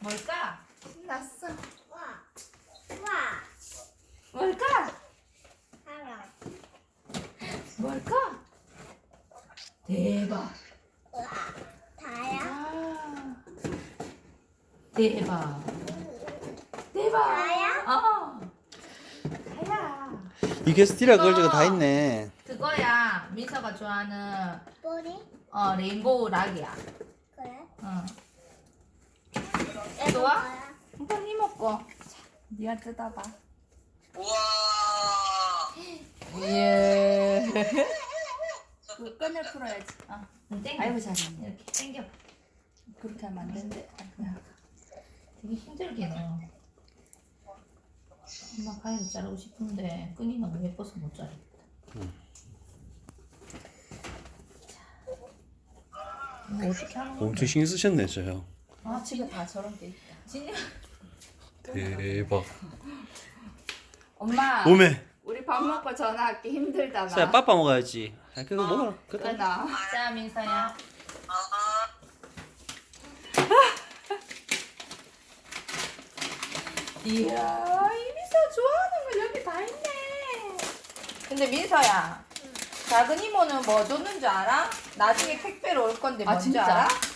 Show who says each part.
Speaker 1: 뭘까? 신났어.
Speaker 2: 와.
Speaker 1: 뭘까?
Speaker 2: 사람.
Speaker 1: 뭘까? 대박.
Speaker 2: 다야.
Speaker 1: 아, 대박. 대박.
Speaker 2: 다야?
Speaker 1: 어. 다야.
Speaker 3: 이게 스티라 걸즈가 다 있네.
Speaker 1: 그거야. 민서가 좋아하는
Speaker 2: 머리?
Speaker 1: 레인보우 락이야.
Speaker 2: 그래?
Speaker 1: 응.
Speaker 2: 얘도
Speaker 1: 좋아?
Speaker 2: 뭐야?
Speaker 1: 한번 힘먹고. 자, 네가 뜯어봐.
Speaker 4: 우와.
Speaker 1: 예. 그 끈을 풀어야지. 땡겨.
Speaker 5: 아이고 잘했네.
Speaker 1: 이렇게 당겨.
Speaker 5: 그렇게 하면 안 되는데.
Speaker 1: 되게 힘들게 넣어. 엄마 가위로 자르고 싶은데 끈이 너무 예뻐서 못 자르겠다. 이거 어떻게 하는 건데?
Speaker 3: 엄청 신경 쓰셨네, 저요.
Speaker 1: 아,
Speaker 5: 집에 다 저런 게 있다.
Speaker 1: 진짜
Speaker 3: 대박.
Speaker 5: 엄마.
Speaker 3: 오메.
Speaker 5: 우리 밥 먹고 전화할게. 힘들다
Speaker 3: 자,
Speaker 5: 나.
Speaker 3: 빠빠 먹어야지. 아, 그거 먹어라. 그거.
Speaker 5: 끊어.
Speaker 1: 자, 민서야. 이야, 이 민서 좋아하는 거 여기 다 있네. 근데 민서야, 작은 이모는 뭐 줬는 줄 알아? 나중에 택배로 올 건데
Speaker 5: 아,
Speaker 1: 뭔지
Speaker 5: 진짜?
Speaker 1: 알아?